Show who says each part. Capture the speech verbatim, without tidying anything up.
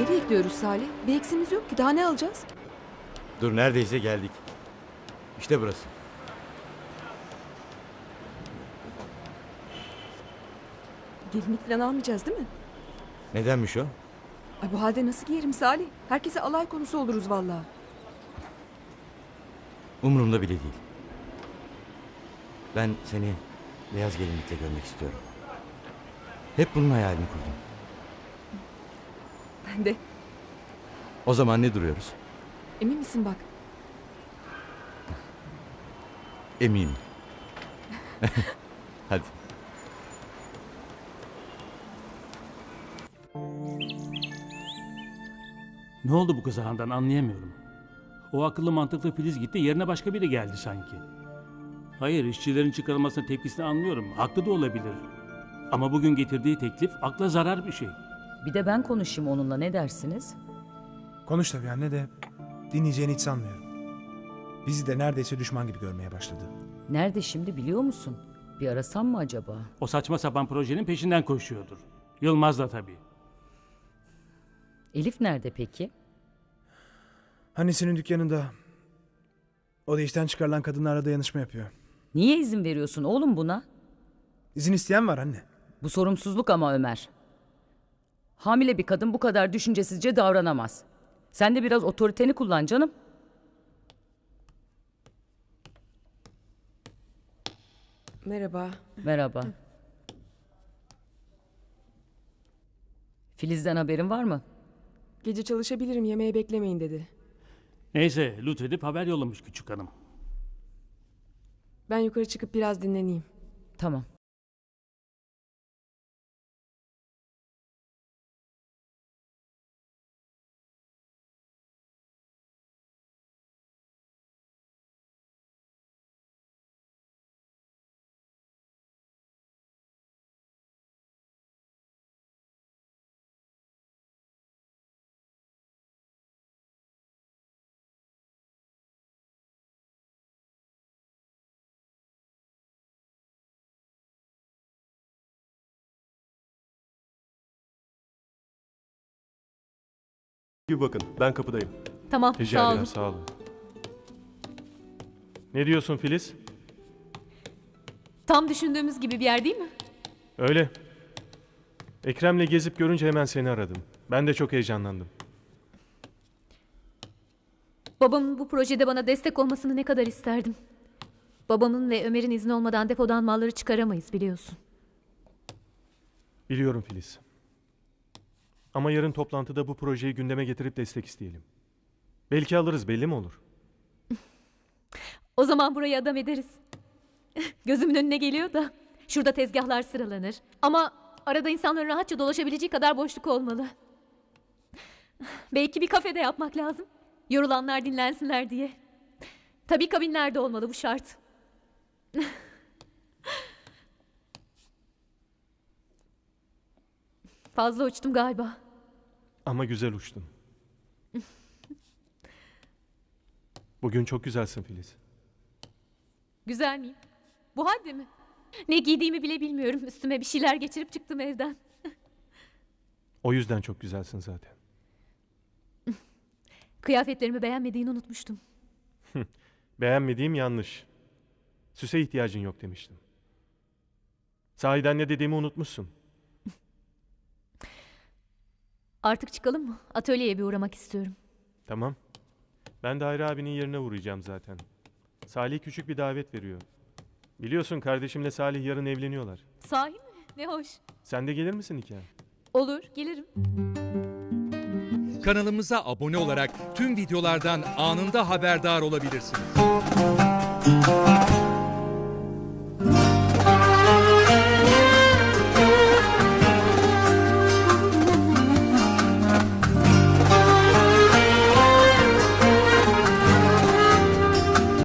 Speaker 1: Ne bekliyoruz Salih? Bir eksimiz yok ki. Daha ne alacağız?
Speaker 2: Dur neredeyse geldik. İşte burası.
Speaker 1: Gelinlik falan almayacağız değil mi?
Speaker 2: Nedenmiş o?
Speaker 1: Ay bu halde nasıl giyerim Salih? Herkese alay konusu oluruz vallahi.
Speaker 2: Umurumda bile değil. Ben seni beyaz gelinlikle görmek istiyorum. Hep bunun hayalini kurdum.
Speaker 1: Ben de.
Speaker 2: O zaman ne duruyoruz?
Speaker 1: Emin misin bak?
Speaker 2: Eminim. Hadi.
Speaker 3: Ne oldu bu kıza Handan anlayamıyorum. O akıllı mantıklı Filiz gitti, yerine başka biri geldi sanki. Hayır, işçilerin çıkarılmasına tepkisini anlıyorum. Haklı da olabilir. Ama bugün getirdiği teklif akla zarar bir şey.
Speaker 4: Bir de ben konuşayım onunla, ne dersiniz?
Speaker 5: Konuş tabii anne de dinleyeceğini hiç sanmıyorum. Bizi de neredeyse düşman gibi görmeye başladı.
Speaker 4: Nerede şimdi biliyor musun? Bir arasam mı acaba?
Speaker 3: O saçma sapan projenin peşinden koşuyordur. Yılmaz da tabii.
Speaker 4: Elif nerede peki?
Speaker 5: Annesinin dükkanında. O da işten çıkarılan kadınlarla dayanışma yapıyor.
Speaker 4: Niye izin veriyorsun oğlum buna?
Speaker 5: İzin isteyen var anne.
Speaker 4: Bu sorumsuzluk ama Ömer. Hamile bir kadın bu kadar düşüncesizce davranamaz. Sen de biraz otoriteni kullan canım.
Speaker 1: Merhaba.
Speaker 4: Merhaba. Filiz'den haberin var mı?
Speaker 1: Gece çalışabilirim, yemeğe beklemeyin dedi.
Speaker 3: Neyse, lütfedip haber yollamış küçük hanım.
Speaker 1: Ben yukarı çıkıp biraz dinleneyim.
Speaker 4: Tamam.
Speaker 6: Bir bakın, ben kapıdayım.
Speaker 7: Tamam,
Speaker 6: Rica
Speaker 7: sağ
Speaker 6: ederim,
Speaker 7: olun.
Speaker 6: sağ olun. Ne diyorsun Filiz?
Speaker 7: Tam düşündüğümüz gibi bir yer değil mi?
Speaker 6: Öyle. Ekrem'le gezip görünce hemen seni aradım. Ben de çok heyecanlandım.
Speaker 7: Babamın bu projede bana destek olmasını ne kadar isterdim. Babamın ve Ömer'in izni olmadan depodan malları çıkaramayız biliyorsun.
Speaker 6: Biliyorum Filiz. Ama yarın toplantıda bu projeyi gündeme getirip destek isteyelim. Belki alırız, belli mi olur?
Speaker 7: O zaman burayı adam ederiz. Gözümün önüne geliyor da. Şurada tezgahlar sıralanır. Ama arada insanların rahatça dolaşabileceği kadar boşluk olmalı. Belki bir kafede yapmak lazım. Yorulanlar dinlensinler diye. Tabii kabinlerde olmalı, bu şart. Fazla uçtum galiba.
Speaker 6: Ama güzel uçtun. Bugün çok güzelsin Filiz.
Speaker 7: Güzel miyim? Bu halde mi? Ne giydiğimi bile bilmiyorum. Üstüme bir şeyler geçirip çıktım evden.
Speaker 6: O yüzden çok güzelsin zaten.
Speaker 7: Kıyafetlerimi beğenmediğini unutmuştum.
Speaker 6: Beğenmediğim yanlış. Süse ihtiyacın yok demiştim. Sahiden ne dediğimi unutmuşsun.
Speaker 7: Artık çıkalım mı? Atölyeye bir uğramak istiyorum.
Speaker 6: Tamam. Ben de Hayri abinin yerine uğrayacağım zaten. Salih küçük bir davet veriyor. Biliyorsun kardeşimle Salih yarın evleniyorlar.
Speaker 7: Sahi mi? Ne hoş.
Speaker 6: Sen de gelir misin nikah?
Speaker 7: Olur, gelirim.
Speaker 8: Kanalımıza abone olarak tüm videolardan anında haberdar olabilirsiniz.